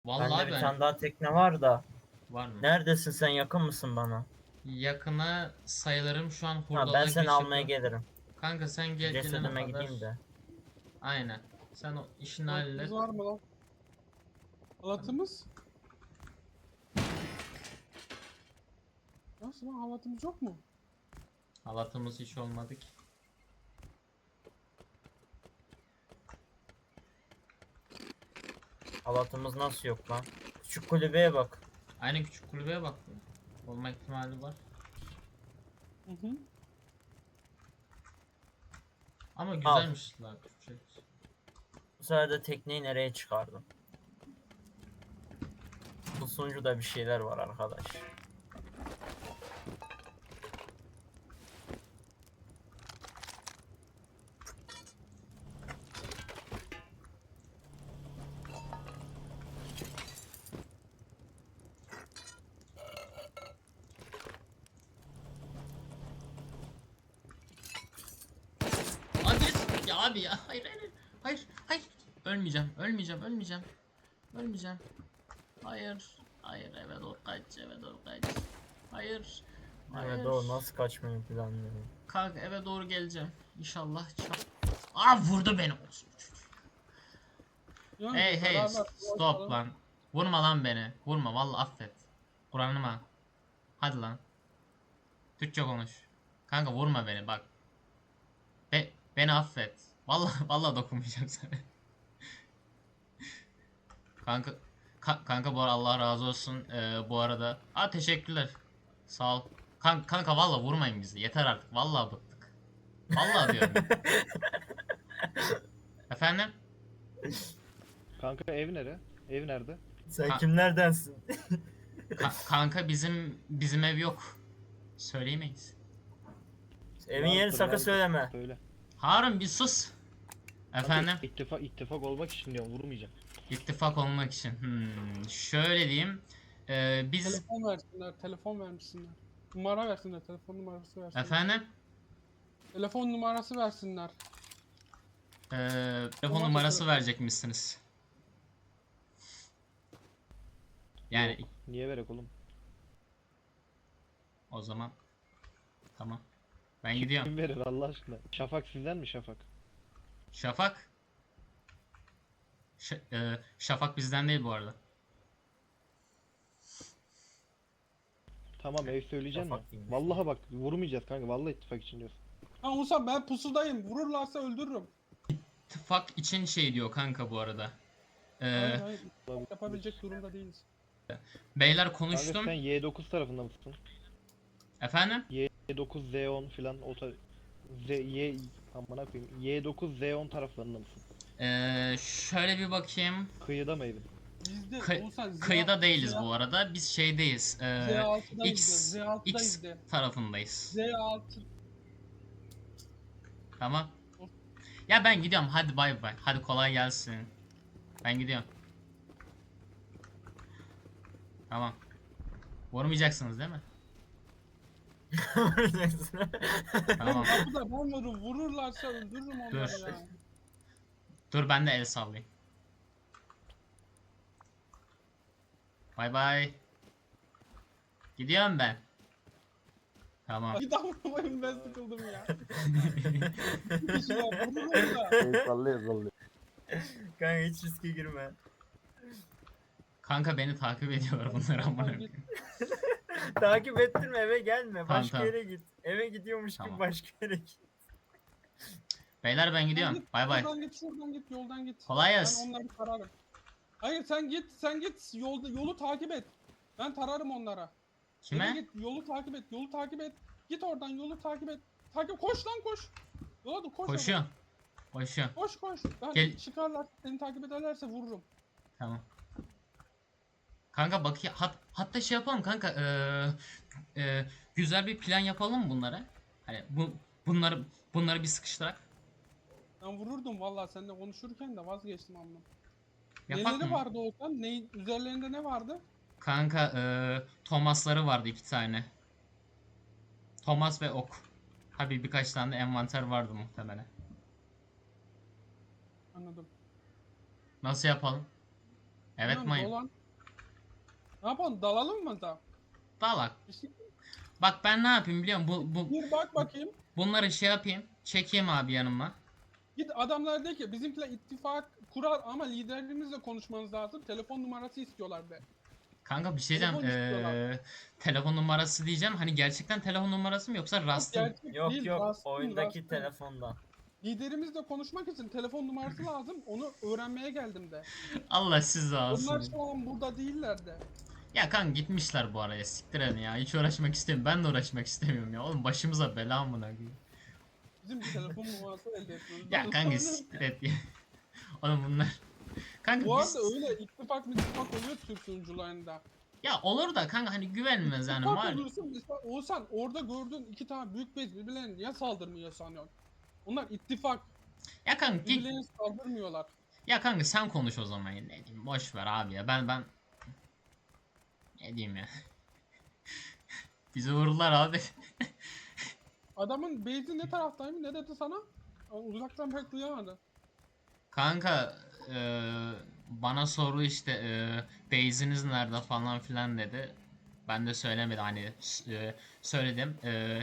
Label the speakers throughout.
Speaker 1: Vallahi
Speaker 2: Bende bir
Speaker 1: ben
Speaker 2: tane daha tekne var da.
Speaker 1: var mı?
Speaker 2: Neredesin sen, yakın mısın bana?
Speaker 1: Yakına sayılırım, şu an
Speaker 2: Ha, ben
Speaker 1: hurdalığa
Speaker 2: seni
Speaker 1: giriş
Speaker 2: almaya
Speaker 1: yapıyorum.
Speaker 2: gelirim.
Speaker 1: Kanka sen
Speaker 2: Şu
Speaker 1: gelene
Speaker 2: cesedime
Speaker 1: kadar
Speaker 2: gideyim de.
Speaker 1: aynen. Sen o işini
Speaker 3: Halatımız
Speaker 1: hallet.
Speaker 3: var mı lan? Halatımız? Nasıl lan, halatımız yok mu?
Speaker 1: Halatımız hiç olmadı ki.
Speaker 2: Halatımız nasıl yok lan? Küçük kulübeye bak.
Speaker 1: Aynen, küçük kulübeye bak. Olma ihtimali var.
Speaker 3: Hı hı.
Speaker 1: Ama
Speaker 2: Al.
Speaker 1: güzelmiş la Türkçe.
Speaker 2: Bu sefer de tekneyi nereye çıkardım? Bu sunucuda bir şeyler var arkadaş.
Speaker 1: Hadi ya abi ya. Hayır hayır. Hayır hayır. Ölmeyeceğim. Ölmeyeceğim. Ölmeyeceğim. Ölmeyeceğim. Hayır. Hayır, eve doğru kaç. Eve doğru kaç. Hayır.
Speaker 2: Evet,
Speaker 1: Hayır.
Speaker 2: doğru, nasıl kaçmayı planlıyorum.
Speaker 1: Kanka eve doğru geleceğim. İnşallah çap. Aa, vurdu beni.
Speaker 3: Yani
Speaker 1: Hey hey,
Speaker 3: beraber
Speaker 1: stop lan. Vurma lan beni. Vurma, vallahi affet. Kur'an'ıma. Hadi lan. Türkçe konuş. Kanka vurma beni bak. Beni affet. Vallahi vallahi dokunmayacağım sana. Kanka kanka bu arada Allah razı olsun. Bu arada. Aa, teşekkürler. Sağ ol. Kanka vallahi vurmayın bizi. Yeter artık. Vallahi bıktık. Vallahi diyorum ya. Efendim?
Speaker 4: Kanka ev nere? Ev nerede?
Speaker 2: Sen
Speaker 1: Ka-
Speaker 2: kimlerdensin?
Speaker 1: kanka bizim ev yok. Söyleyemeyiz.
Speaker 2: Evin yerini
Speaker 4: Vardır,
Speaker 2: sakın
Speaker 4: vardır.
Speaker 2: söyleme.
Speaker 4: Söyle.
Speaker 1: Harun bir sus. Efendim?
Speaker 4: Kanka ittifak olmak için diyorum, vurmayacağım.
Speaker 1: İttifak olmak için. Şöyle diyeyim. Biz
Speaker 3: telefon versinler, telefon vermişsinler. Numara versinler, telefon numarası versinler.
Speaker 1: efendim
Speaker 3: Telefon numarası versinler.
Speaker 1: telefon
Speaker 3: Tamam,
Speaker 1: numarası
Speaker 3: telefon.
Speaker 1: verecekmişsiniz. Yani
Speaker 4: Yok. Niye verek oğlum?
Speaker 1: o zaman tamam. Ben gidiyorum.
Speaker 4: Kim verir Allah aşkına? Şafak sizden mi Şafak?
Speaker 1: Şafak. Şafak bizden değil bu arada.
Speaker 4: Tamam, ev söyleyeceğim mi?
Speaker 2: Şafak değilmiş.
Speaker 4: Vallahi bak, vurmayacağız kanka. Vallahi ittifak için diyorsun.
Speaker 3: Ha Musa, ben pusudayım. Vururlarsa öldürürüm.
Speaker 1: İttifak için şey diyor kanka bu arada.
Speaker 3: Hayır hayır.
Speaker 4: Olabilir.
Speaker 3: Yapabilecek durumda değiliz.
Speaker 1: Beyler
Speaker 4: Kanka
Speaker 1: konuştum.
Speaker 4: sen Y9 tarafında mısın?
Speaker 1: Efendim?
Speaker 4: Y9 Z10 filan o amına koyayım. Y9 Z10 taraflarında mısın?
Speaker 1: Şöyle bir bakayım.
Speaker 4: Kıyıda mı evin?
Speaker 3: Bizde Oğuzhan
Speaker 1: Kıyıda değiliz bu arada. Biz şeydeyiz.
Speaker 3: Z6'dayız
Speaker 1: X
Speaker 3: de. Z6'dayız
Speaker 1: X
Speaker 3: de.
Speaker 1: tarafındayız.
Speaker 3: Z6.
Speaker 1: Tamam. Ya ben gidiyorum. Hadi bay bay. Hadi kolay gelsin. Ben gidiyorum. Tamam. Vurmayacaksınız değil mi? Tamam.
Speaker 3: Kapıda ben varım. Vururlarsa öldürürüm onları
Speaker 1: Dur.
Speaker 3: ya.
Speaker 1: Dur ben de el sallayayım. Bay bay. Gidiyorum ben. Tamam.
Speaker 3: Bir daha vurmayın, ben sıkıldım ya. Bir kişi var, vururum da.
Speaker 4: Sallıyor.
Speaker 2: Kanka hiç riske girme.
Speaker 1: Kanka beni takip ediyor bunlar amına
Speaker 3: Git.
Speaker 1: koyayım.
Speaker 2: Takip ettirme, eve gelme.
Speaker 1: Tamam,
Speaker 2: Başka
Speaker 1: tamam.
Speaker 2: yere git. Eve gidiyormuş
Speaker 1: Tamam.
Speaker 2: gibi başka yere git.
Speaker 1: Beyler ben gidiyorum.
Speaker 3: Git,
Speaker 1: Bay bay.
Speaker 3: şuradan git, yoldan git.
Speaker 1: Kolay
Speaker 3: Ben
Speaker 1: gelsin.
Speaker 3: onları tararım. Hayır sen git, yolu takip et. Ben tararım onlara. Eve
Speaker 1: Kime?
Speaker 3: git, yolu takip et. Git oradan, yolu takip et. Koş lan koş. Yola dur, koş.
Speaker 1: Koşuyorum. Koşuyorum.
Speaker 3: Koş. Ben
Speaker 1: Gel.
Speaker 3: çıkarlar, seni takip ederlerse vururum.
Speaker 1: Tamam. Kanka bak hatta şey yapalım kanka. Güzel bir plan yapalım mı bunlara? Hani bunları bir sıkıştırak.
Speaker 3: Ben vururdum vallahi seninle konuşurken de vazgeçtim amma.
Speaker 1: Yapak
Speaker 3: Neleri
Speaker 1: mı?
Speaker 3: vardı Oğuzhan? Üzerlerinde ne vardı?
Speaker 1: Kanka Thomas'ları vardı 2 tane. Thomas ve ok. Tabii birkaç tane de envanter vardı muhtemelen.
Speaker 3: Anladım.
Speaker 1: Nasıl yapalım? Evet
Speaker 3: Tamam,
Speaker 1: mayın.
Speaker 3: dolan. Ne yapalım? Dalalım mı da?
Speaker 1: Dalak.
Speaker 3: Bir şey-
Speaker 1: Bak ben ne yapayım biliyor musun?
Speaker 3: Bir bak bakayım.
Speaker 1: Bunları şey yapayım. Çekeyim abi yanıma.
Speaker 3: Git adamlar de ki bizimkiler ittifak kurar ama liderimizle konuşmanız lazım. Telefon numarası istiyorlar de.
Speaker 1: Kanka bir şey diyeceğim.
Speaker 3: Telefon istiyorlar.
Speaker 1: Telefon numarası diyeceğim. Hani gerçekten telefon numarası mı yoksa rastım?
Speaker 3: Gerçek
Speaker 2: Yok
Speaker 3: değil,
Speaker 2: yok,
Speaker 3: rastım,
Speaker 2: oyundaki
Speaker 3: rastım.
Speaker 2: telefonda.
Speaker 3: Liderimizle konuşmak için telefon numarası lazım. Onu öğrenmeye geldim de.
Speaker 1: Allah sizi
Speaker 3: Onlar
Speaker 1: alsın.
Speaker 3: şu an burada değiller de.
Speaker 1: Ya kanka gitmişler bu araya. Siktir edin ya. Hiç uğraşmak istemiyorum. Ben de uğraşmak istemiyorum ya. Oğlum başımıza bela amına koyayım.
Speaker 3: Bizim bir telefon numarası elde etmemiz
Speaker 1: Ya
Speaker 3: lazım.
Speaker 1: kanka siktir et ya. Oğlum bunlar. Kanka
Speaker 3: Bu
Speaker 1: biz...
Speaker 3: arada öyle ittifak oluyor Türk sunucularında.
Speaker 1: Ya olur da kanka hani güvenmez yani
Speaker 3: İttifak
Speaker 1: var.
Speaker 3: olursun mesela Oğuzhan orada gördüğün iki tane büyük bez birbirlerine niye saldırmıyor sanıyorsun? Onlar ittifak.
Speaker 1: Ya kanka git.
Speaker 3: Birbirlerine saldırmıyorlar.
Speaker 1: Ya kanka sen konuş o zaman ya. Ne diyeyim boş ver abi ya. Ben ne diyeyim ya. Bizi vururlar abi.
Speaker 3: Adamın base'i ne taraftaymış ne dedi sana? Uzaktan pek duyamadı.
Speaker 1: Kanka bana soru işte base'iniz nerede falan filan dedi. Ben de söylemedim hani söyledim.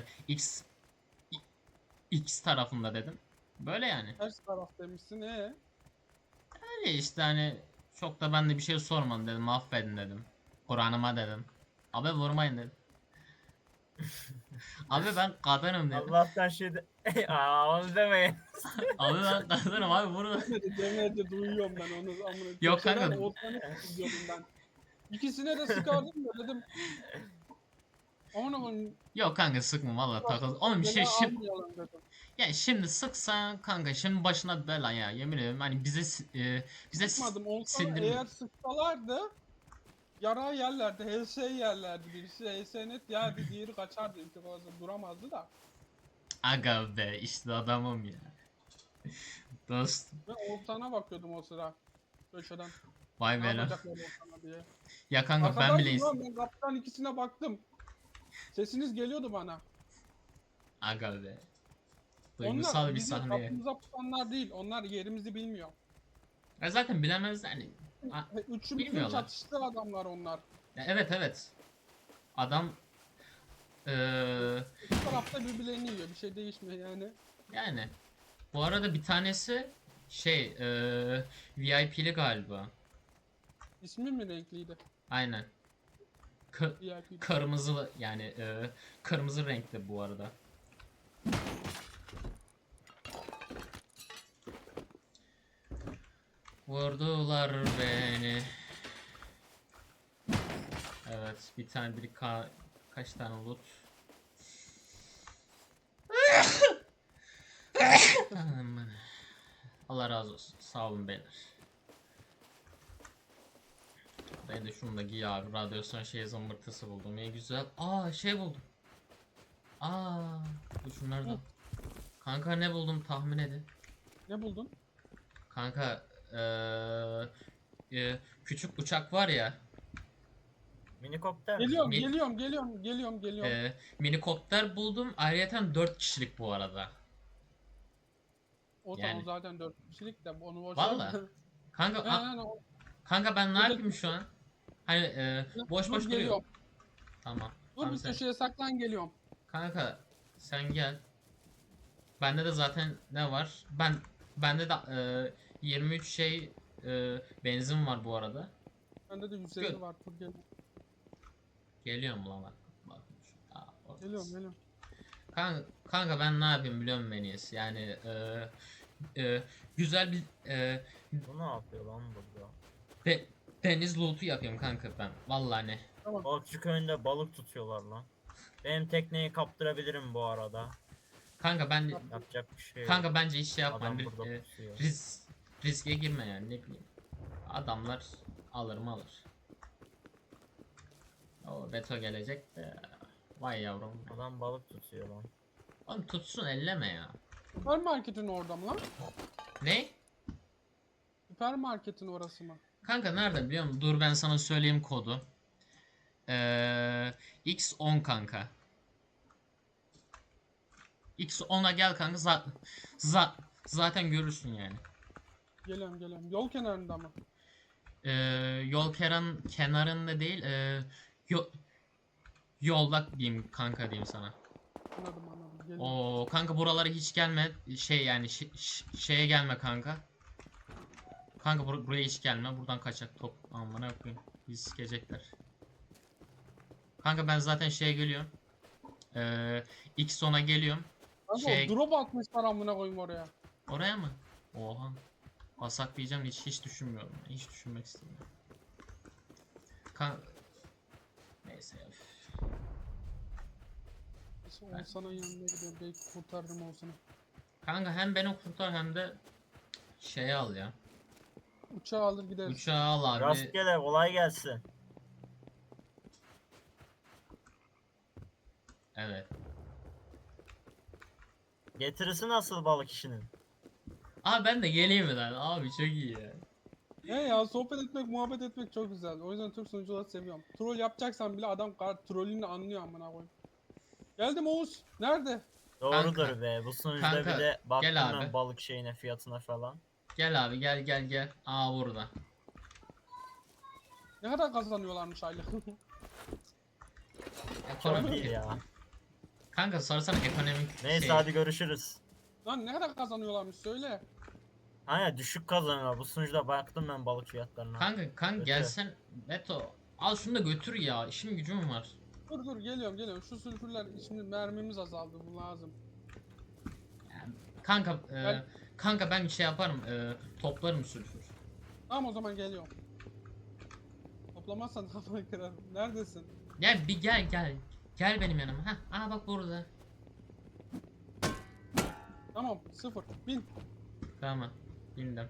Speaker 1: X tarafında dedim. Böyle yani.
Speaker 3: Ters taraftaymışsın
Speaker 1: Öyle işte hani çok da ben de bir şey sormadım dedim. Affedin dedim. Kur'an'ıma dedim. Abi vurmayın dedim. Abi ben kadınım dedim.
Speaker 2: Allah'tan onu demeyin.
Speaker 1: Abi ben kadınım abi vurma.
Speaker 3: Demedi duyuyorum ben onu. Amına.
Speaker 1: Yok
Speaker 3: Köşeden
Speaker 1: kanka.
Speaker 3: Oğuzhan'ı izliyordum ben. İkisine de sıkardım da dedim. Onu
Speaker 1: Yok kanka sıkma valla takıl. Oğlum bir şey
Speaker 3: almayalım dedim.
Speaker 1: ya şimdi sıksan kanka şimdi başına bela ya yemin ederim hani bize
Speaker 3: Sıkmadım. Oğuzhan'ı
Speaker 1: sindirme.
Speaker 3: eğer sıksalardı yara yerlerdi, HS yerlerdi. Birisi HS net yerdi, diğeri kaçardı. İlk fazla duramazdı da.
Speaker 1: Aga be işte adamım ya. Dostum.
Speaker 3: Ben Oğuzhan'a bakıyordum o sıra. Köşeden.
Speaker 1: Vay
Speaker 3: Ne
Speaker 1: be lan.
Speaker 3: yapacaklar Oğuzhan'a diye.
Speaker 1: Ya kanka ben
Speaker 3: Arkadaşlar
Speaker 1: bile
Speaker 3: ben kaptan ikisine baktım. Sesiniz geliyordu bana.
Speaker 1: aga be.
Speaker 3: Onlar
Speaker 1: Duygusal bir
Speaker 3: bizim
Speaker 1: sahneye.
Speaker 3: kapımıza pusanlar değil. Onlar yerimizi bilmiyor.
Speaker 1: Ya zaten bilemez hani.
Speaker 3: Üçümüzün
Speaker 1: Bilmiyorlar.
Speaker 3: çatıştığı adamlar onlar.
Speaker 1: Ya evet. Adam
Speaker 3: İki tarafta birbirlerini yiyor. Bir şey değişmiyor yani.
Speaker 1: yani bu arada bir tanesi şey VIP'li galiba.
Speaker 3: İsmi mi renkliydi?
Speaker 1: Aynen.
Speaker 3: VIP.
Speaker 1: Kırmızı yani kırmızı renkte bu arada. Vurdular beni. Evet bir tane kaç tane loot. Aman. Allah razı olsun. Sağ olun beyler. Ben de şunu da giy abi. Radyasyon şey zımbırtısı buldum. İyi güzel. Aa şey buldum. Aa dur şunları da. Kanka ne buldum tahmin edin.
Speaker 3: Ne buldun?
Speaker 1: Kanka küçük uçak var ya.
Speaker 2: Minikopter mi?
Speaker 3: Geliyorum,
Speaker 1: Mi-
Speaker 3: geliyorum.
Speaker 1: Minikopter buldum. Ayrıyeten 4 kişilik bu arada.
Speaker 3: O
Speaker 1: Yani.
Speaker 3: zaten 4 kişilik de onu boş
Speaker 1: Valla.
Speaker 3: ver.
Speaker 1: Kanka
Speaker 3: Yani
Speaker 1: kanka ben ne
Speaker 3: Dur,
Speaker 1: yapayım şu an? Hani boş
Speaker 3: dur
Speaker 1: boş duruyor.
Speaker 3: geliyorum.
Speaker 1: Tamam.
Speaker 3: Dur
Speaker 1: Tamam
Speaker 3: bir
Speaker 1: sen.
Speaker 3: köşeye saklan geliyorum.
Speaker 1: Kanka sen gel. Bende de zaten ne var? Bende de 23 şey benzin var bu arada.
Speaker 3: Bende de 150
Speaker 1: Gel.
Speaker 3: var. Dur geliyorum.
Speaker 1: Geliyorum lan bak.
Speaker 3: Geliyorum.
Speaker 1: Kanka ben ne yapayım biliyor musun en iyisi? Yani güzel bir
Speaker 2: Bu ne yapıyor lan burada?
Speaker 1: deniz loot'u yapıyorum kanka ben. Vallahi ne.
Speaker 2: Balıkçı köyünde balık tutuyorlar lan. Benim tekneyi kaptırabilirim bu arada.
Speaker 1: Kanka ben
Speaker 2: Yapacak bir şey yok.
Speaker 1: kanka bence hiç şey yapma.
Speaker 2: Adam
Speaker 1: Hani,
Speaker 2: burada pusuyor.
Speaker 1: riske girme yani ne bileyim. Adamlar alır mı alır. O Beto gelecek de. Vay yavrum.
Speaker 2: Adam balık tutuyor lan.
Speaker 1: Oğlum tutsun elleme ya.
Speaker 3: Süpermarketin orada mı lan?
Speaker 1: Ne?
Speaker 3: Süpermarketin orası mı?
Speaker 1: Kanka nerede biliyor musun? Dur ben sana söyleyeyim kodu. X10 kanka. X10'a gel kanka. Zaten görürsün yani.
Speaker 3: Geliyorum. Yol kenarında mı?
Speaker 1: Yol kenarında değil, yo- yolda diyeyim kanka diyeyim sana.
Speaker 3: Anladım anladım. Geliyorum.
Speaker 1: O kanka buralara hiç gelme. Şey yani şeye gelme kanka. Kanka buraya hiç gelme. Buradan kaçak top. Aman ne koyayım. Bizi sikecekler. Kanka ben zaten şeye geliyorum. X sona geliyorum.
Speaker 3: Kanka o
Speaker 1: Şey
Speaker 3: drop atmışlar amına koyayım oraya.
Speaker 1: oraya mı? Oha. Basak diyeceğim de hiç düşünmüyorum. Hiç düşünmek istemiyorum. Neyse ya. Üf.
Speaker 3: Neyse Oğuzhan'ın yanına gidiyorum. Belki kurtarırım Oğuzhan'ı.
Speaker 1: Kanka hem beni kurtar hem de şeyi al ya.
Speaker 3: Uçağı alır gideriz.
Speaker 1: Uçağı al abi.
Speaker 2: Rastgele kolay gelsin.
Speaker 1: Evet.
Speaker 2: Getirisi nasıl balık işinin?
Speaker 1: Abi ben de geleyim mi lan? Abi çok iyi ya.
Speaker 3: Ne ya sohbet etmek, muhabbet etmek çok güzel. O yüzden Türk sunucuları seviyorum. Troll yapacaksan bile adam trollünü anlıyor amına koyayım. Geldim Oğuz. Nerede?
Speaker 2: Doğrudur
Speaker 1: Kanka,
Speaker 2: be. Bu sunucuda
Speaker 1: kanka,
Speaker 2: bir de baktım
Speaker 1: gel
Speaker 2: ben
Speaker 1: abi.
Speaker 2: balık şeyine, fiyatına falan.
Speaker 1: Gel abi gel. Aa burada.
Speaker 3: Ne kadar kazanıyorlarmış aylık?
Speaker 2: Çok
Speaker 1: Ekonomik.
Speaker 2: iyi ya.
Speaker 1: Kanka sorsana ekonomik
Speaker 2: Neyse
Speaker 1: şey.
Speaker 2: hadi görüşürüz.
Speaker 3: Lan ne kadar kazanıyorlarmış söyle.
Speaker 2: Hani düşük kazanıyorlar. Bu sunucuda baktım ben balık fiyatlarına.
Speaker 1: Kanka
Speaker 2: Kötü.
Speaker 1: gelsen Beto. Al şunu da götür ya. İşim gücüm var.
Speaker 3: Dur geliyorum. Şu sülfürler şimdi mermimiz azaldı bu lazım.
Speaker 1: Kanka
Speaker 3: Ben-
Speaker 1: kanka ben şey yaparım. Toplarım sülfür.
Speaker 3: Tamam o zaman geliyorum. Toplamazsan kafayı kırarım. Neredesin?
Speaker 1: Gel bir gel. Gel benim yanıma. Heh, aa bak burada.
Speaker 3: Tamam 0. Bin.
Speaker 1: Tamam. Bindim.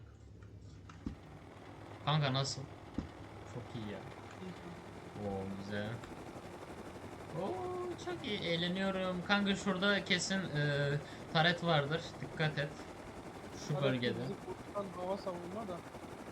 Speaker 1: Kanka nasıl? Çok iyi ya. Oo güzel. Oo çok iyi eğleniyorum. Kanka şurada kesin taret vardır. Dikkat et. Şu
Speaker 3: Hadi
Speaker 1: bölgede.
Speaker 3: bizi kurtaran hava savunma da.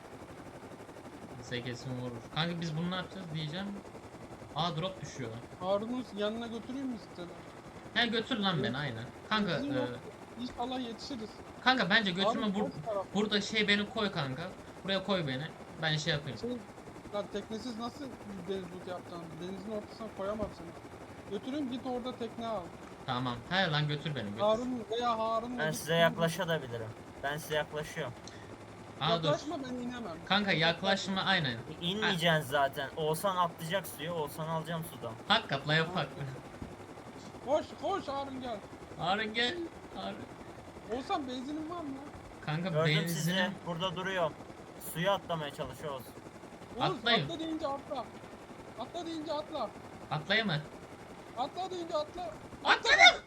Speaker 1: Bize kesin vurur. Kanka biz bunu ne yapacağız diyeceğim. Aa drop düşüyor.
Speaker 3: Harun'un yanına götüreyim mi size?
Speaker 1: He götür lan beni aynen. Kanka
Speaker 3: Benzin yok. İnşallah yetişiriz.
Speaker 1: kanka bence götürme
Speaker 3: Harun boş taraf.
Speaker 1: burada şey beni koy kanka. Buraya koy beni. Ben şey yapayım.
Speaker 3: Şey, lan teknesiz nasıl deniz botu yapacaksın? Denizin ortasına koyamam seni. Götürün git orada tekne al.
Speaker 1: Tamam. He lan götür beni götür.
Speaker 3: Harun veya Harun'la
Speaker 2: Ben
Speaker 3: git.
Speaker 2: size yaklaşabilirim. Ben size yaklaşıyorum.
Speaker 1: Aa dur.
Speaker 3: Yaklaşma ben inemem.
Speaker 1: Kanka yaklaşma aynen.
Speaker 2: İnmeyeceksin zaten. Oğuzhan atlayacak suya. Oğuzhan'ı alacağım sudan.
Speaker 1: Hak atla yapak.
Speaker 3: Koş Harun gel.
Speaker 1: Harun gel. Harun.
Speaker 3: Olsan benzinin var mı?
Speaker 1: Kanka
Speaker 2: Gördüm sizi.
Speaker 1: benzin.
Speaker 2: Burada duruyor. Suya atlamaya çalışıyoruz.
Speaker 3: Oğuz
Speaker 1: Atlayın.
Speaker 3: atla deyince atla. Atla deyince atla.
Speaker 1: Atlayayım mı?
Speaker 3: Atla deyince atla.
Speaker 1: Atladım.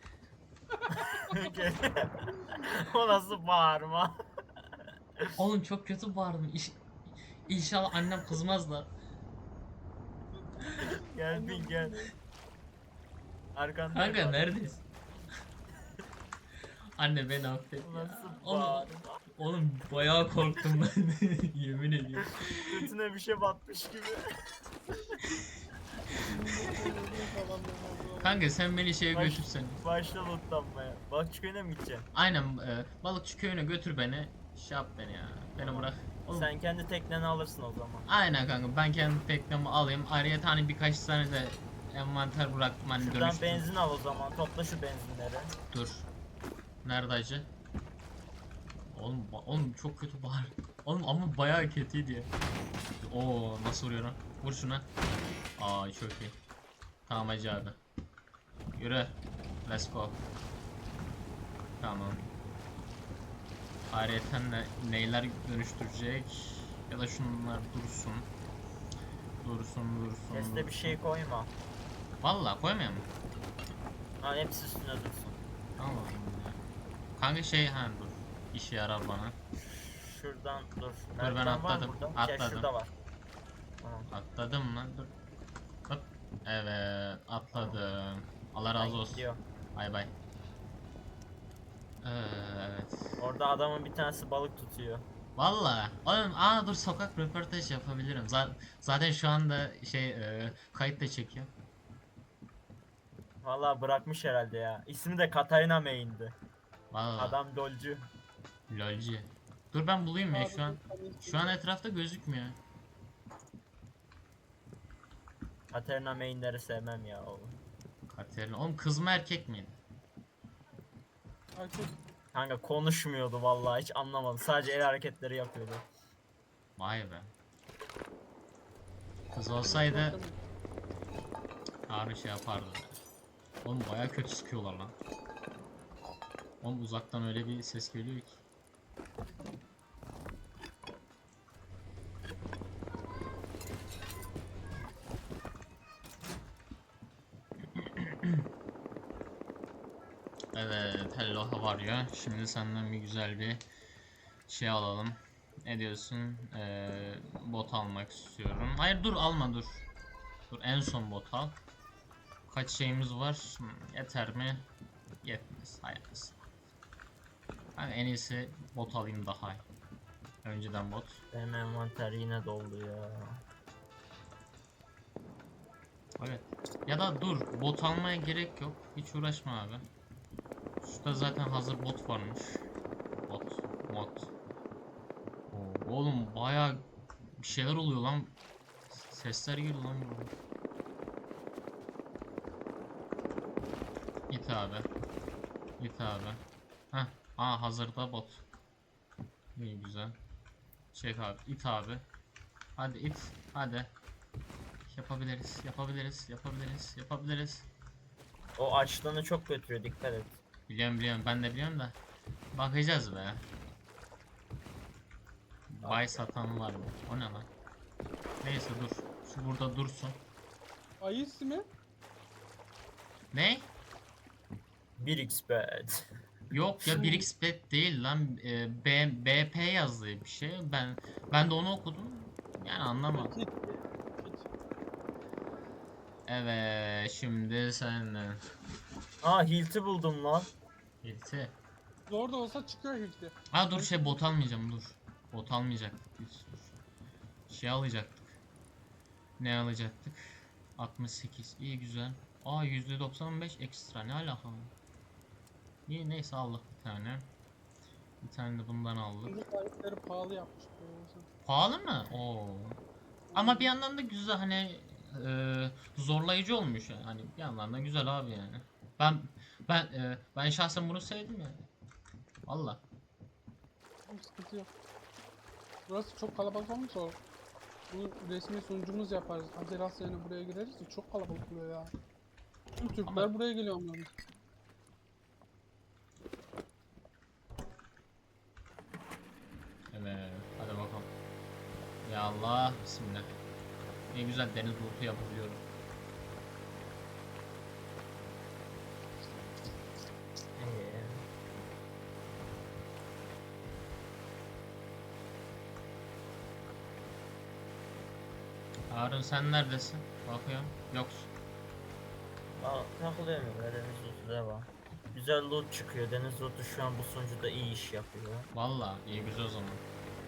Speaker 2: O nasıl bağırma?
Speaker 1: Oğlum çok kötü bağırdım. İnşallah annem kızmaz da.
Speaker 2: Gel bin gel. Arkanda.
Speaker 1: Kanka neredesin? Anne beni affet
Speaker 2: O
Speaker 1: ya.
Speaker 2: nasıl
Speaker 1: Oğlum,
Speaker 2: bağırma?
Speaker 1: oğlum bayağı korktum ben. Yemin ediyorum.
Speaker 2: Götüne bir şey batmış gibi.
Speaker 1: Kanka sen beni şeye
Speaker 2: Baş-
Speaker 1: götürsen.
Speaker 2: Başla lootlanmaya. Balıkçı köyüne mi gideceksin?
Speaker 1: Aynen balıkçı köyüne götür beni. Şey yap beni ya. Beni bırak. Oğlum,
Speaker 2: Sen kendi tekneni alırsın o zaman.
Speaker 1: aynen kanka ben kendi teknemi alayım. Ayrıca hani birkaç tane de envanter bıraktım hani
Speaker 2: Şuradan
Speaker 1: dönüştüm.
Speaker 2: benzin al o zaman. Topla şu benzinleri.
Speaker 1: Dur. Nerede acı? Oğlum çok kötü bağır. Oğlum ama bayağı kötüydü ya. Oo nasıl vuruyor lan? Vur şuna. Aa çok iyi. Tamam Hacı abi. Yürü. Let's go. Tamam. Ayrıyeten neyler dönüştürecek? Ya da şunlar dursun. Dursun.
Speaker 2: Chest'e bir şey koyma.
Speaker 1: Vallahi koymayayım mı?
Speaker 2: Ha hepsi üstüne dursun.
Speaker 1: Tamam. Kanka şey dur. İşe yarar bana.
Speaker 2: Şuradan dur.
Speaker 1: ben
Speaker 2: Merdiven var
Speaker 1: atladım,
Speaker 2: mı burada? Şey,
Speaker 1: atladım.
Speaker 2: şurada var. Tamam.
Speaker 1: Atladım lan dur. Hop. Evet atladım. Allah
Speaker 2: Ben
Speaker 1: razı olsun.
Speaker 2: gidiyor.
Speaker 1: Bay bay. Evet.
Speaker 2: Orada adamın bir tanesi balık tutuyor.
Speaker 1: Valla. Oğlum dur sokak röportaj yapabilirim. Zaten şu anda şey kayıt da çekiyor.
Speaker 2: Vallahi bırakmış herhalde ya. İsmi de Katarina Main'di.
Speaker 1: Valla.
Speaker 2: Adam dolcu.
Speaker 1: Lolci. Dur ben bulayım ya şu an. Şu an etrafta gözükmüyor.
Speaker 2: Katerina mainleri sevmem ya oğlum.
Speaker 1: Katerina. Oğlum kız mı erkek miydi?
Speaker 3: Erkek.
Speaker 2: Kanka konuşmuyordu vallahi, hiç anlamadım. Sadece el hareketleri yapıyordu.
Speaker 1: Vay be. Kız olsaydı Harun şey yapardı. Oğlum baya kötü sıkıyorlar lan. Oğlum uzaktan öyle bir ses geliyor ki. Evet, hello how are you? Şimdi senden bir güzel bir şey alalım. Ne diyorsun? Bot almak istiyorum. Hayır dur alma dur. Dur en son bot al. Kaç şeyimiz var? Yeter mi? Yetmez. Hayırlısı. Ben en iyisi bot alayım daha iyi. Önceden bot.
Speaker 2: Benim envanter yine doldu ya.
Speaker 1: Evet. Ya da dur bot almaya gerek yok. Hiç uğraşma abi. Şurada zaten hazır bot varmış. Bot. Bot. Oo, oğlum baya bir şeyler oluyor lan. Sesler geliyor lan burada. Git abi. Git abi. Heh. Aa hazırda bot. İyi güzel. Çek abi. İt abi. Hadi it. Hadi. Yapabiliriz. Yapabiliriz. Yapabiliriz. Yapabiliriz.
Speaker 2: O açlığını çok götürüyor, dikkat et.
Speaker 1: Biliyorum biliyorum. Ben de biliyorum da. Bakacağız be. Bay satan var mı? O ne lan? Neyse dur. Şu burada dursun.
Speaker 3: Ayı ismi?
Speaker 1: Ne?
Speaker 2: 1x bad.
Speaker 1: Yok ya 1x bet değil lan. BP yazdığı bir şey. Ben de onu okudum. Yani anlamadım.
Speaker 3: Kit.
Speaker 1: Evet şimdi sen
Speaker 2: Aa, Hilt'i buldum lan.
Speaker 1: birisi.
Speaker 3: Zor da olsa çıkıyor hilti.
Speaker 1: Ha dur şey bot almayacağım dur. Bot almayacaktık biz. Şey alacaktık. Ne alacaktık? 68. İyi güzel. Aa %95 ekstra ne alaka? İyi neyse aldık bir tane. Bir tane de bundan aldık.
Speaker 3: Şimdi sahipleri pahalı yapmış.
Speaker 1: Pahalı mı? Oo. Ama bir yandan da güzel hani zorlayıcı olmuş yani. Hani bir yandan da güzel abi yani. Ben şahsen bunu sevdim yani. Valla.
Speaker 3: Sıkıntı yok. Burası çok kalabalık olmuş o. Bu resmi sunucumuz yaparız. Azeras yerine buraya gireriz de çok kalabalık oluyor ya. Tüm Türkler
Speaker 1: Ama-
Speaker 3: buraya geliyor ama.
Speaker 1: Evet. Hadi bakalım. Ya Allah. Bismillah. Ne güzel deniz bulutu yapabiliyorum.
Speaker 2: Ee,
Speaker 1: Harun sen neredesin? Bakıyorum. Yoksun.
Speaker 2: takılıyorum ya, deniz lootu devam. Güzel loot çıkıyor. Deniz lootu şu an bu sunucuda iyi iş yapıyor.
Speaker 1: Valla iyi güzel o zaman.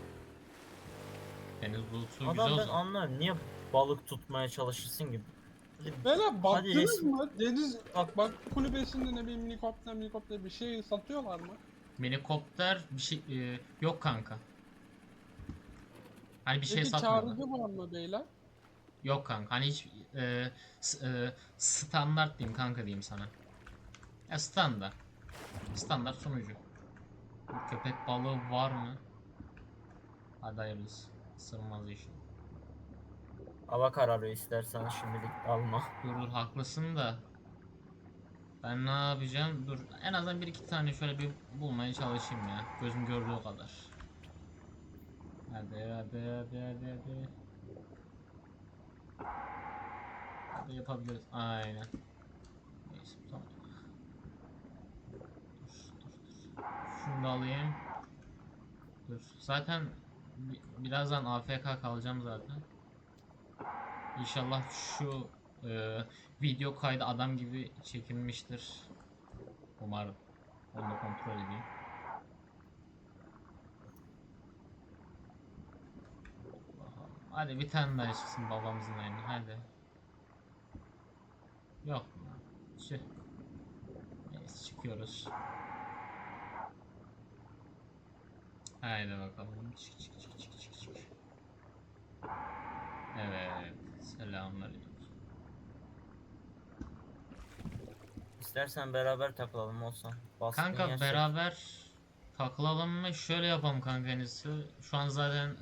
Speaker 1: Deniz bulutu güzel
Speaker 2: Adam
Speaker 1: o
Speaker 2: ben
Speaker 1: zaman.
Speaker 2: anlarım, niye balık tutmaya çalışırsın gibi.
Speaker 3: Beyler baktınız
Speaker 2: resim-
Speaker 3: mı? Deniz bak kulübesinde ne bileyim minikopter bir şey satıyorlar mı?
Speaker 1: Minikopter bir şey yok kanka. Hani bir şey
Speaker 3: Peki
Speaker 1: satmıyorlar.
Speaker 3: çağrıcı var mı beyler?
Speaker 1: Yok kanka. Hani hiç standart diyeyim kanka diyeyim sana. Ya standart. Standart sunucu. Köpek balığı var mı? Hadi hayırlısı. Sığmaz iş.
Speaker 2: Hava kararıyor, istersen şimdilik alma.
Speaker 1: Dur haklısın da. Ben ne yapacağım? Dur en azından bir iki tane şöyle bir bulmaya çalışayım ya. Gözüm gördüğü o kadar. Hadi. Hadi yapabiliriz. Aynen. Neyse tamam. Dur. Şunu da alayım. Dur. Zaten birazdan AFK kalacağım zaten. İnşallah şu video kaydı adam gibi çekilmiştir. Umarım. Onu da kontrol edeyim. Bakalım. Hadi bir tane daha çıksın babamızın eline. Hadi. Yok. Şey. Neyse çıkıyoruz. Haydi bakalım. Çık çık çık çık çık çık. Evet. Selamünaleyküm.
Speaker 2: İstersen beraber takılalım olsan. Baskın
Speaker 1: Kanka
Speaker 2: yersek.
Speaker 1: beraber takılalım mı? Şöyle yapalım kanka en iyisi. Şu an zaten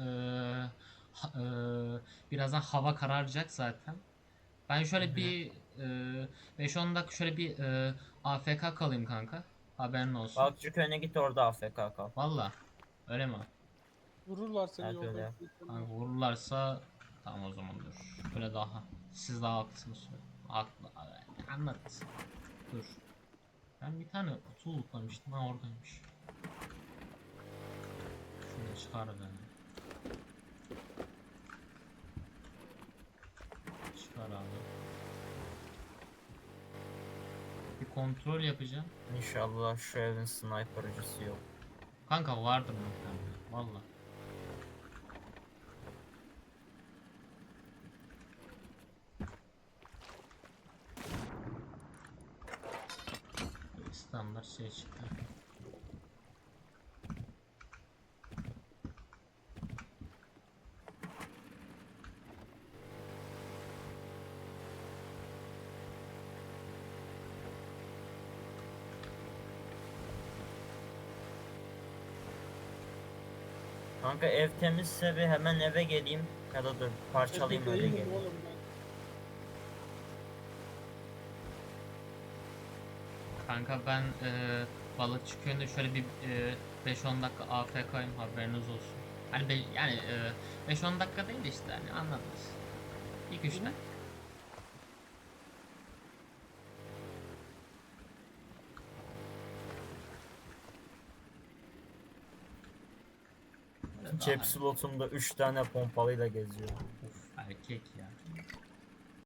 Speaker 1: birazdan hava kararacak zaten. Ben
Speaker 2: Hı
Speaker 1: şöyle
Speaker 2: hı.
Speaker 1: bir 5-10 dakika şöyle bir AFK kalayım kanka. Haberin olsun.
Speaker 2: Balıkçı köyüne git, orada AFK kal.
Speaker 1: Valla. Öyle mi?
Speaker 3: Vururlar seni
Speaker 2: Evet öyle
Speaker 3: yolda.
Speaker 2: yap.
Speaker 1: Kanka vururlarsa tamam o zaman dur. Böyle daha. Siz daha haklısınız. Haklı. Anlat. Dur. Ben bir tane kutu unutmamıştım. Ha oradaymış. Şunu çıkar beni. Çıkar abi. Bir kontrol yapacağım.
Speaker 2: İnşallah şu evin sniper'cısı yok.
Speaker 1: Kanka vardır muhtemelen. Valla. Böyle standart şey çıktı.
Speaker 2: Kanka ev temizse bir hemen eve geleyim. Ya da dur parçalayayım
Speaker 3: Evde
Speaker 2: öyle
Speaker 3: değilim
Speaker 2: geleyim.
Speaker 3: oğlum ben.
Speaker 1: Kanka ben balıkçı köyünde şöyle bir 5-10 dakika AFK'yım haberiniz olsun. Hani yani 5-10 dakika değil de işte hani anladınız. 2-3
Speaker 3: Hı hı.
Speaker 1: dakika. Böyle daha-
Speaker 2: Cep slotumda 3 tane pompalıyla geziyor.
Speaker 1: Of erkek ya.